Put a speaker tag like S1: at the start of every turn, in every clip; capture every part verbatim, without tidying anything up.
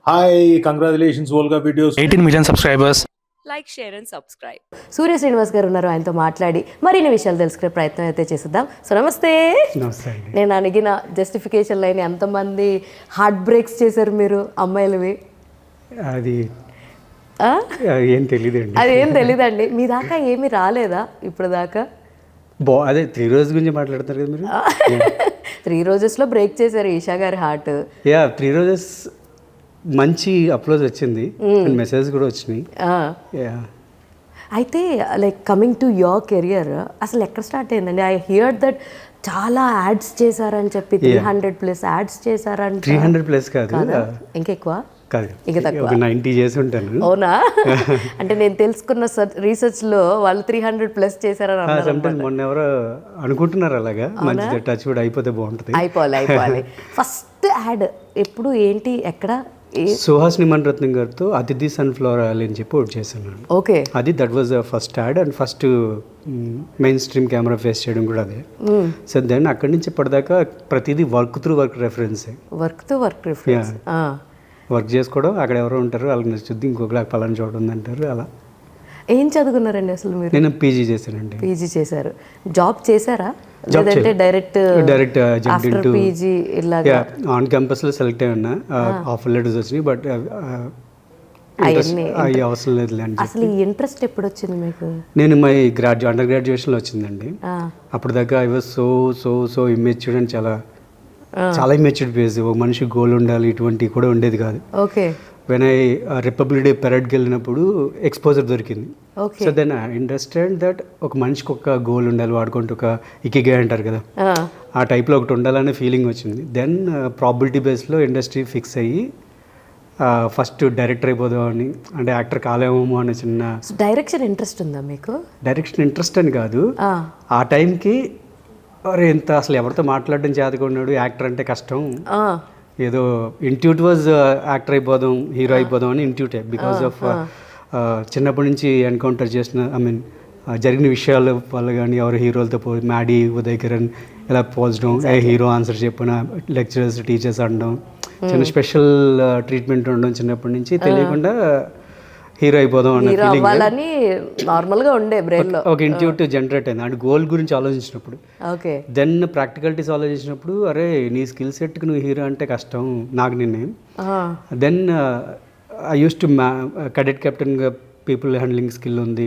S1: Hi, congratulations, Volga Videos.
S2: Eighteen million subscribers.
S3: Like share and subscribe.
S4: Surya Srinivas గారు ఉన్నారు, ఆయనతో మాట్లాడి మరిన్ని విషయాలు తెలుసుకునే ప్రయత్నం అయితే చేద్దాం. సో నమస్తే.
S5: నమస్తే అండి.
S4: నేను అడిగిన జస్టిఫికేషన్ లైన్ ఎంతమంది హార్ట్ బ్రేక్స్ చేశారు మీరు అమ్మాయిలవి?
S5: అది
S4: ఆ?
S5: ఏం తెలియదండి.
S4: అదేం తెలీదండి. మీ దాకా ఏమీ రాలేదా ఇప్పుడు దాకా?
S5: బా అదే త్రీ రోజెస్ గురించి మాట్లాడతారు కదా మీరు.
S4: త్రీ రోజెస్లో బ్రేక్ చేశారు ఈషా గారి హార్ట్.
S5: యా త్రీ రోజెస్ మంచి అప్లోజ్ వచ్చింది అండ్ మెసేజ్ కూడా వచ్చినాయి. యా
S4: అయితే like coming to your career అసలు ఎక్కడ స్టార్ట్ అయిందండి? ఐ హియర్ దట్ చాలా యాడ్స్ చేశారని చెప్పి త్రీ హండ్రెడ్ ప్లస్ యాడ్స్ చేశారని.
S5: త్రీ హండ్రెడ్ ప్లస్ కాదు,
S4: ఇంకెక్కువ
S5: కాదు,
S4: ఇంకా తక్కువ,
S5: ఒక నైంటీ చేసి ఉంటాను.
S4: అవునా? అంటే నేను తెలుసుకున్న రీసెర్చ్ లో వాళ్ళు త్రీ హండ్రెడ్ ప్లస్ చేశారని అన్నారు.
S5: సమ్టైమ్స్ మొన్న ఎవరో అనుకుంటున్నారు అలాగా, మంచి టచ్ కూడా అయిపోతే బాగుంటుంది.
S4: అయిపోవాలి అయిపోవాలి. ఫస్ట్ యాడ్ ఎప్పుడు, ఏంటి, ఎక్కడ?
S5: సుహాసిని మణిరత్నం గారితో అతిథి సన్ఫ్లవర్ ఆయిల్ అని చెప్పి ఒకటి చేశాను.
S4: ఓకే,
S5: అది that was first ad and first main stream camera face చేయడం కూడా అదే. సో దెన్ అక్కడి నుంచి ఇప్పటిదాకా ప్రతిదీ వర్క్ త్రూ వర్క్ రెఫరెన్సే.
S4: Work to work reference.
S5: Work చేసుకోవడం, అక్కడ ఎవరో ఉంటారు వాళ్ళకి నచ్చుద్ది, ఇంకొకలా పలానా చోట ఉందంటారు అలా.
S4: ఏం చదువుకున్నారండి అసలు మీరు?
S5: నేను పీజీ చేశానండి.
S4: పీజీ చేశారు. జాబ్ చేశారా
S5: Job
S4: లేదంటే డైరెక్ట్
S5: డైరెక్ట్
S4: ఆఫ్టర్ పీజీ ఇలాగా?
S5: ఆన్ క్యాంపస్లో సెలెక్ట్ అయి ఉన్నా, ఆఫర్ లెటర్స్ వచ్చినాయి, బట్ అవి అవసరం లేదు అండి.
S4: అసలు ఈ ఇంట్రెస్ట్ ఎప్పుడు వచ్చింది మీకు?
S5: నేను మై గ్రాడ్యు అండర్ గ్రాడ్యుయేషన్లో వచ్చిందండి. అప్పుడు దాకా I was so so so immatured అని చాలా చాలా ఇమ్మెచ్యూర్డ్ ఫేజ్. ఒక మనిషి గోల్ ఉండాలి, ఇటువంటివి కూడా ఉండేది కాదు.
S4: Okay.
S5: When I republic day పెరడ్కి వెళ్ళినప్పుడు ఎక్స్పోజర్ దొరికింది. So then I understand that ఒక మనిషికి ఒక గోల్ ఉండాలి, వాడుకుంటూ ఒక ఇకిగే అంటారు కదా, ఆ టైప్లో ఒకటి ఉండాలనే ఫీలింగ్ వచ్చింది. దెన్ ప్రాబిలిటీ బేస్లో ఇండస్ట్రీ ఫిక్స్ అయ్యి ఫస్ట్ డైరెక్టర్ అయిపోదామని, అంటే యాక్టర్ కాలేమో అనే చిన్న.
S4: డైరెక్షన్ ఇంట్రెస్ట్ ఉందా మీకు?
S5: డైరెక్షన్ ఇంట్రెస్ట్ అని కాదు, ఆ టైంకి అరే ఎంత అసలు ఎవరితో మాట్లాడడం చేతకున్నాడు, యాక్టర్ అంటే కష్టం, ఏదో ఇంట్యూట్ వాజ్ యాక్టర్ అయిపోదాం, హీరో అయిపోదాం అని ఇంట్యూటే. బికాస్ ఆఫ్ చిన్నప్పటి నుంచి ఎన్కౌంటర్ చేసిన, ఐ మీన్ జరిగిన విషయాల వల్ల కానీ, ఎవరు హీరోలతో పో మ్యాడీ, ఉదయ్ కిరణ్ ఇలా పోల్చడం, ఏ హీరో ఆన్సర్ చెప్పిన, లెక్చరర్స్ టీచర్స్ అనడం, చిన్న స్పెషల్ ట్రీట్మెంట్ ఉండడం, చిన్నప్పటి నుంచి తెలియకుండా హీరో అయిపోదాం అన్న ఫీలింగ్
S4: నార్మల్గా ఉండే బ్రెయిన్లో
S5: ఒక ఇంట్యూట్ జనరేట్ అయింది. అండ్ గోల్ గురించి ఆలోచించినప్పుడు,
S4: ఓకే,
S5: దెన్ ప్రాక్టికాలిటీస్ ఆలోచించినప్పుడు, అరే నీ స్కిల్ సెట్కి నువ్వు హీరో అంటే కష్టం నాకు నిన్నే. దెన్ ఐ యూస్ టు మ్యా కడెట్ కెప్టెన్గా పీపుల్ హ్యాండ్లింగ్ స్కిల్ ఉంది.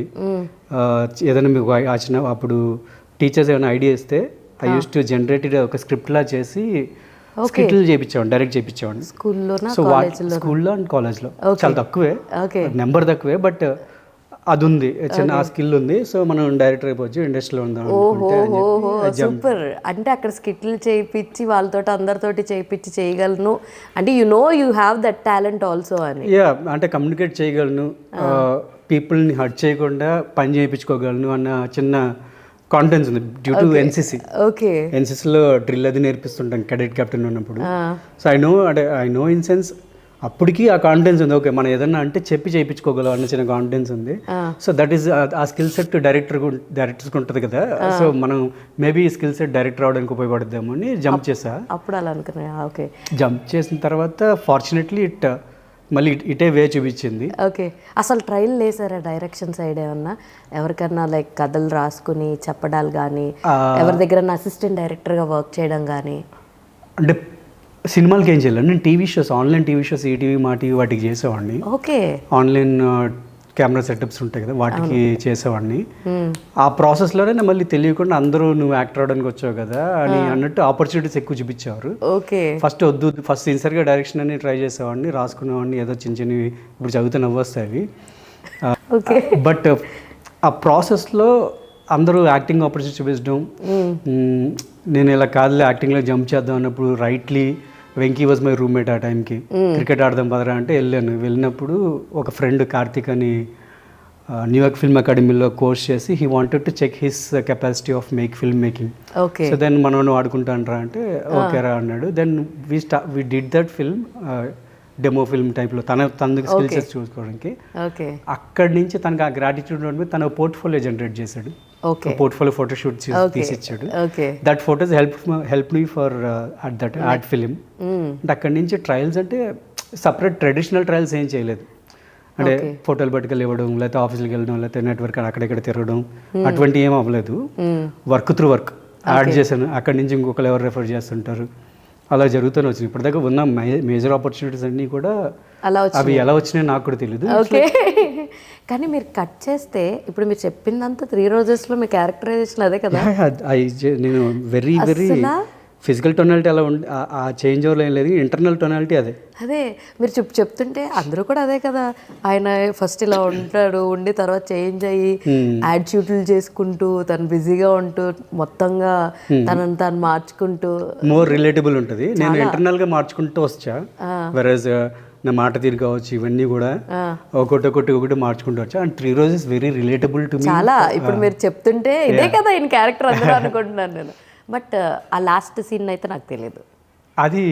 S5: ఏదైనా మీకు వచ్చిన అప్పుడు టీచర్స్ ఏమైనా ఐడియా ఇస్తే ఐ యూస్ టు జనరేటెడ్ ఒక స్క్రిప్ట్లా చేసి స్కిట్లు చేయించేవాడిని, డైరెక్ట్ చేయించేవాడిని
S4: స్కూల్లో.
S5: సో స్కూల్లో అండ్ కాలేజ్లో చాలా తక్కువే, నెంబర్ తక్కువే, బట్ అది ఉంది, చిన్న ఆ స్కిల్ ఉంది. సో మనం డైరెక్టర్ అయిపోవచ్చు, ఇండస్ట్రీలో ఉందాం.
S4: సూపర్. అంటే అక్కడ స్కిట్లు చేయించి వాళ్ళతో అందరితోటి చేయించి చేయగలను అంటే you know you have that talent also అని.
S5: యా అంటే కమ్యూనికేట్ చేయగలను, పీపుల్ని హర్ట్ చేయకుండా పని చేయించుకోగలను అన్న చిన్న కాన్ఫిడెన్స్ ఉంది డ్యూ టు ఎన్సీసీ.
S4: ఓకే,
S5: ఎన్సీసీలో డ్రిల్ అది నేర్పిస్తుంటాం కెడెట్ కెప్టెన్ ఉన్నప్పుడు. సో ఐ నో అంటే ఐ నో ఇన్ సెన్స్ అప్పటికి ఆ కాన్ఫిడెన్స్ ఉంది. ఓకే మనం ఏదన్నా అంటే చెప్పి చేయించుకోగలం అన్న చిన్న కాన్ఫిడెన్స్ ఉంది. So that is a skill set director డైరెక్టర్స్కి ఉంటుంది కదా. సో మనం మేబీ ఈ స్కిల్ సెట్ డైరెక్టర్ అవడానికి ఉపయోగపడద్దాము అని జంప్ చేసా.
S4: అప్పుడు అలా అనుకున్నా. ఓకే,
S5: జంప్ చేసిన తర్వాత ఫార్చునేట్లీ ఇట్ మళ్ళీ ఇటే వే చూపించింది.
S4: ఓకే, అసలు ట్రయల్ లేసారా డైరెక్షన్ సైడ్ ఏమన్నా? ఎవరికన్నా లైక్ కథలు రాసుకుని చెప్పడాలు కానీ, ఎవరి దగ్గర అసిస్టెంట్ డైరెక్టర్గా వర్క్ చేయడం కానీ?
S5: అంటే సినిమాలకి ఏం చేయాలి, నేను TV shows, online TV shows, ETV, Maa TV వాటికి చేసేవాడిని.
S4: ఓకే,
S5: ఆన్లైన్ కెమెరా సెటప్స్ ఉంటాయి కదా వాటికి చేసేవాడిని. ఆ ప్రాసెస్లోనే మళ్ళీ తెలియకుండా అందరూ నువ్వు యాక్టర్ అవడానికి వచ్చావు కదా అని అన్నట్టు ఆపర్చునిటీస్ ఎక్కువ చూపించేవారు.
S4: ఓకే,
S5: ఫస్ట్ వద్దు, ఫస్ట్ సిన్సియర్గా డైరెక్షన్ అని ట్రై చేసేవాడిని, రాసుకునేవాడిని, ఏదో చిన్న చిన్నవి ఇప్పుడు చదివితే నవ్వొస్తాయి అవి. బట్ ఆ ప్రాసెస్లో అందరూ యాక్టింగ్ ఆపర్చునిటీ చూపించడం, నేను ఇలా కాదులే యాక్టింగ్లో జంప్ చేద్దాం అన్నప్పుడు rightly Venky was my roommate ఆ టైంకి. క్రికెట్ ఆడదాం పదరా అంటే వెళ్ళాను. వెళ్ళినప్పుడు ఒక ఫ్రెండ్ కార్తిక్ అని న్యూయార్క్ ఫిల్మ్ అకాడమీలో కోర్స్ చేసి he wanted to check his capacity of make film making. So then మనం ఆడుకుంటానరా అంటే ఓకే రా అన్నాడు. దెన్ వీ స్టా we did that film, demo film టైప్లో తన తనకి స్కిల్ సెట్స్ చూసుకోవడానికి. అక్కడి నుంచి తనకు ఆ గ్రాటిట్యూడ్ ఉండి తన పోర్ట్ఫోలియో జనరేట్ చేశాడు. పోర్ట్ఫోలియో ఫోటోషూట్ తీసిచ్చాడు. That photos help help me for at that ad film. అంటే అక్కడి నుంచి ట్రయల్స్ అంటే సపరేట్ ట్రెడిషనల్ ట్రయల్స్ ఏం చేయలేదు. అంటే ఫోటోలు పట్టుకెళ్ళి ఇవ్వడం, లేకపోతే ఆఫీస్కి వెళ్ళడం, లేకపోతే నెట్వర్క్ అక్కడెక్కడ తిరగడం అటువంటి ఏం అవ్వలేదు. వర్క్ త్రూ వర్క్ యాడ్ చేశాను, అక్కడి నుంచి ఇంకొకరు ఎవరు రెఫర్ చేస్తుంటారు, అలా జరుగుతూనే వచ్చింది. ఇప్పటిదాకా ఉన్న మేజర్ ఆపర్చునిటీస్ అన్నీ కూడా
S4: అలా
S5: అవి ఎలా వచ్చినాయో నాకు కూడా తెలియదు.
S4: ఓకే. కానీ మీరు కట్ చేస్తే ఇప్పుడు మీరు చెప్పిందంతా త్రీ రోజెస్లో మీ క్యారెక్టరైజేషన్ అదే కదా.
S5: నేను వెరీ వెరీ ఫిజికల్ టొనాలిటీ అలా ఉండి ఆ చేంజ్ ఓవర్లో ఏం లేదు, ఇంటర్నల్ టొనాలిటీ అదే.
S4: అదే మీరు చెప్ చెప్తుంటే అందరూ కూడా అదే కదా. ఆయన ఫస్ట్ ఇలా ఉంటాడు, ఉండి తర్వాత చేంజ్ అయ్యి యాడ్ షూట్లు చేసుకుంటూ తను బిజీగా ఉంటూ మొత్తంగా తనని తాను మార్చుకుంటూ
S5: మోర్ రిలేటబుల్ ఉంటుంది. నేను ఇంటర్నల్గా మార్చుకుంటూ వచ్చా, వెరస్ నా మాట తీరు కావచ్చు ఇవన్నీ కూడా ఒకటి ఒకటి ఒకటి మార్చుకుంటూ వచ్చా. And Three Roses very relatable to me.
S4: చాలా ఇప్పుడు మీరు చెప్తుంటే ఇదే కదా ఈయన క్యారెక్టర్ అందరూ అనుకుంటున్నాను నేను. బట్ ఆ లాస్ట్ సీన్ అయితే నాకు తెలియదు.
S5: అది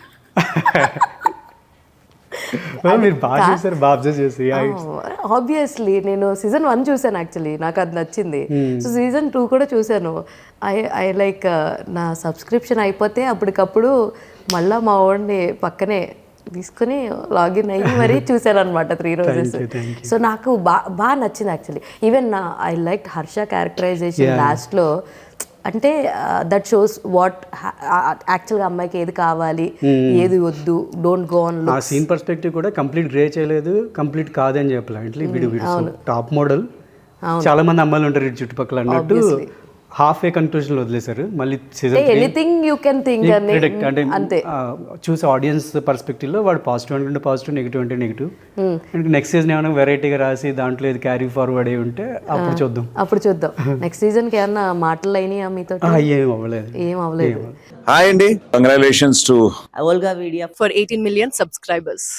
S5: మీరు బాగా చూసారు, బాగా అబ్జర్వ్ చేసి.
S4: ఆబ్వియస్లీ నేను సీజన్ వన్ చూసాను, యాక్చువల్లీ నాకు అది నచ్చింది. సో సీజన్ టూ కూడా చూశాను. ఐ ఐ లైక్ నా సబ్స్క్రిప్షన్ అయిపోతే అప్పటికప్పుడు మళ్ళీ మా వాడిని పక్కనే తీసుకుని లాగిన్ అయ్యి మరీ చూశాను అనమాట త్రీ రోజెస్. సో నాకు బాగా బాగా నచ్చింది యాక్చువల్లీ. ఈవెన్ నా ఐ లైక్ హర్ష క్యారెక్టరైజేషన్ లాస్ట్లో. అంటే దట్ షోస్ వాట్ యాక్చువల్గా అమ్మాయికి ఏది కావాలి ఏది వద్దు, డోంట్ గో ఆన్.
S5: ఆ సీన్ పర్స్పెక్టివ్ కూడా కంప్లీట్ గ్రే చేయలేదు, కంప్లీట్ కాదని చెప్పలేదు. వీడు వీడు టాప్ మోడల్, చాలా మంది అమ్మాయిలు ఉంటారు ఇటు చుట్టుపక్కల అన్నట్టు హాఫ్ ఏ కన్క్లూజన్ వదిలేశారు. మళ్ళీ season
S4: anything you can think
S5: అంటే అంతే చూసి ఆడియన్స్ పర్స్పెక్టివ్ లో వాడు పాజిటివ్ అనుకుంటే పాజిటివ్, నెగిటివ్ అంటే నెగిటివ్. నెక్స్ట్ సీజన్ ఏమైనా వెరైటీగా రాసి దాంట్లో ఏది క్యారీ ఫార్వర్డ్ అయి ఉంటే అప్పుడు చూద్దాం
S4: అప్పుడు చూద్దాం నెక్స్ట్ సీజన్ కి ఏమన్నా మాటలు అయినాయా మీతో?
S5: ఏం అవ్వలేదు
S4: ఏం అవ్వలేదు.
S1: హాయ్ అండి, congratulations to
S3: Olga Media for eighteen million subscribers.